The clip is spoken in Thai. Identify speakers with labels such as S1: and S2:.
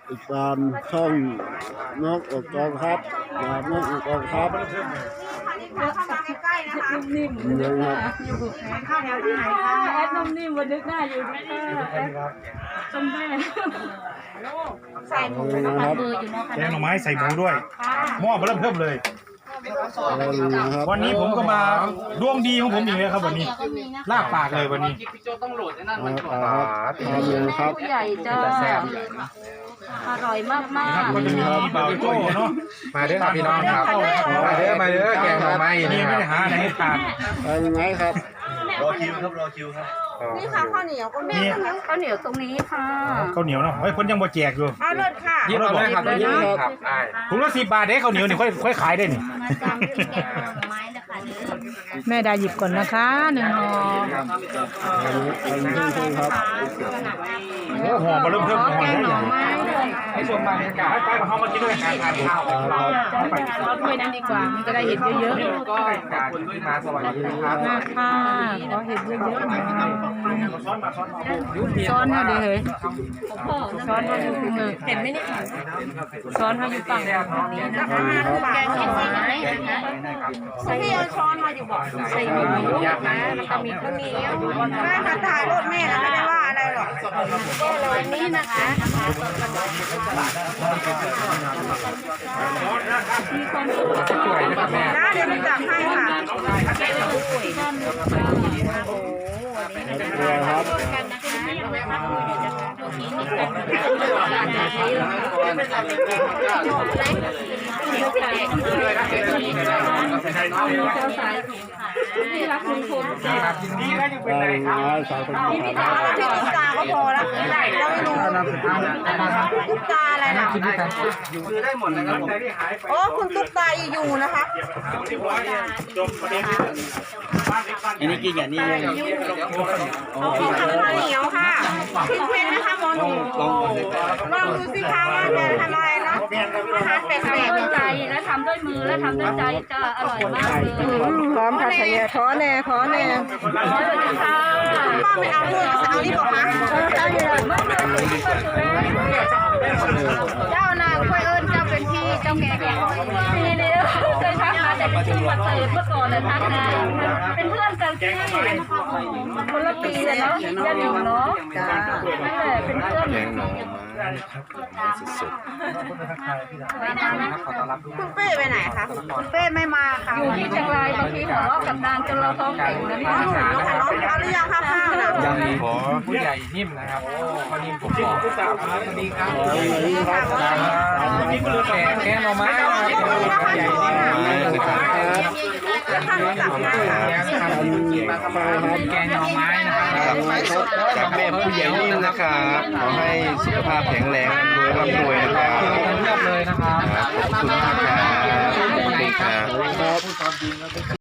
S1: ติดตามช่องนกอกกองครับนกอกกองครับ
S2: เข้ามาใกล้ๆนะคะ
S3: นิ่ม
S1: เดี๋ยวครับ
S2: เข้าแถวที่ไหนคะ
S3: แอดนุ่มนิ่มวันนึกหน้าอยู่ด้วยแอดจำได้
S2: ใส่หมู
S1: นะ
S2: นะ
S1: ค
S2: คะ
S1: รับ
S2: เบอร์อยู่นะคะ
S4: แกงหน่อไม้ใส่หมูด้วยหม้อเริ่มเลย
S1: นะครับ
S4: วันนี้ผมก็มาดวงดีของผมอีกแล้วครับวันนี้ลากปากเลยวันนี้
S5: พี่โจต้องโหลดไอ้นั่นมันก่อน
S1: ทำเลยครับ
S3: ผู้ใหญ่จ้าอร่อยมากมา
S4: นะครับ
S3: ก
S4: ก็จะมีบ่าวโจ้เนาะ
S6: มาเด้อครับพี่น้องครับมาเด้อแกงหน่อไม้
S4: นี่
S6: นี่
S4: ไม่
S6: ค
S4: ได้
S6: รับ
S4: หาอะไรให้ทาน
S1: เป็นไงครับ
S5: รอคิวครับรอคิวครับ
S2: นี่ค่ะข้าวเหนียวก็มี
S4: นี่
S3: ข้าวเหนียวตรงนี้ค่ะ
S4: ข้าวเหนียวเนาะไว้คนยังบ่แจกอยู่
S2: เอาเลิศค่ะ
S6: ยิบเอาเลยครับยิบเลยครับได้
S4: ถุงละ10 บาทเด้ข้าวเหนียวนี่ค่อยขายได้นี่
S3: แม่ดาหยิบก่อนนะคะ1 ห่อ
S1: เป็นเพื่อนครับ
S4: โอ้ห่อมาเริ่ม
S3: ขอแกงหน่อไม้ด้วย
S4: ให้ชมบรรยากาศให้ไปกับเขามากินด้วยกันทานข้าวของเรา
S3: เอาถ้วยนั้นดีกว่ามันจะได้เห็นเยอะๆ
S6: ก็การที่มาสวัสดีครับ
S3: มากค่ะขอเห็นเยอะๆหน่อย
S4: ซ้อนมา
S3: ซ้อนมาดิเฮ้ยซ้อนมาอยู่ตรงเลยเห็นไหมเนี่ยซ้อนมาอยู่ฝั่งนี้นะคะ
S2: แกงหน่อไม้พี่เอาช้อนมาอยู่บอกใส่หมูนะมันจะมีข้าวเหนียวแม่ค่ะถ่ายรถแม่นะไม่ได้ว่าอะไรหรอกก็เลยนี่นะคะนะเดี๋ยวไปจับให้ค่ะ
S1: ครับ
S3: ที่รักลุงพล
S4: ดีแล้วยังเป็นไรครับ
S1: สาวคน
S2: ที่
S1: นี้
S2: ตุ๊กตาก็พอแล้วเราไม่รู้ตุ๊กตาอะไรนะ
S5: คือได้หมดนะครับผม
S2: โอ้คุณตุ๊กตาอยู่นะคะ
S5: อันนี้กินอย่างนี้เลย
S2: พี่ทำข้าวเหนียวค่ะพี่เพชรนะคะหมอหนุ่มลองดูสิคะว่าจะทำอะไรเนาะอาหารแปล
S3: ทำ
S2: ก
S3: ด้วยใจและทำด้วยมือและทำด้วยใจจะอร่อยมากเลย
S2: พร้อมค่ะชายขอแน่ขอแน่
S3: สวัสดีค่ะ
S2: ป้าไม่เอาด้วยเอานี่บอกมา
S3: เจ้านางค่อยเอิญเจ้าเป็นพี่เจ้าแก่แก่พี่เดียวเคยทักมาแต่ชื่อมาเติร์เมื่อก่อนเลยทักนะเป็นเพื่อนกันที่คนละปีเลยเนาะยันอยู่เนาะนั่นแหละเป็นเพื่อน
S6: แกงหน่อไม้สุด
S2: คุณเป้ไปไหนคะคุณเป้ไม่มาค่ะ
S3: อยู่ที่เชียงรายบางทีหัวเราะกับนางจนเราท้องเป่งนะ
S2: น้องหนูค่ะน้องเอาหรือยังคะข้าวน่ะ
S6: ยังมีขอผู้ใหญ่นิ่มนะครับพอนิ่มผมบอกสวัสดีครับ แกงหน่อไม้ครับผู้ใหญ่นิ่มนะครับ
S2: ท่านรู้จักไหมคะ
S6: แกงหน่อไม้นะครับจากแม่ผู้ใหญ่นิ่มนะครับขอให้สุขภาพแข็งแรงร่ำรวยนะครับเรียบเลยนะครับขอบคุณมากครับ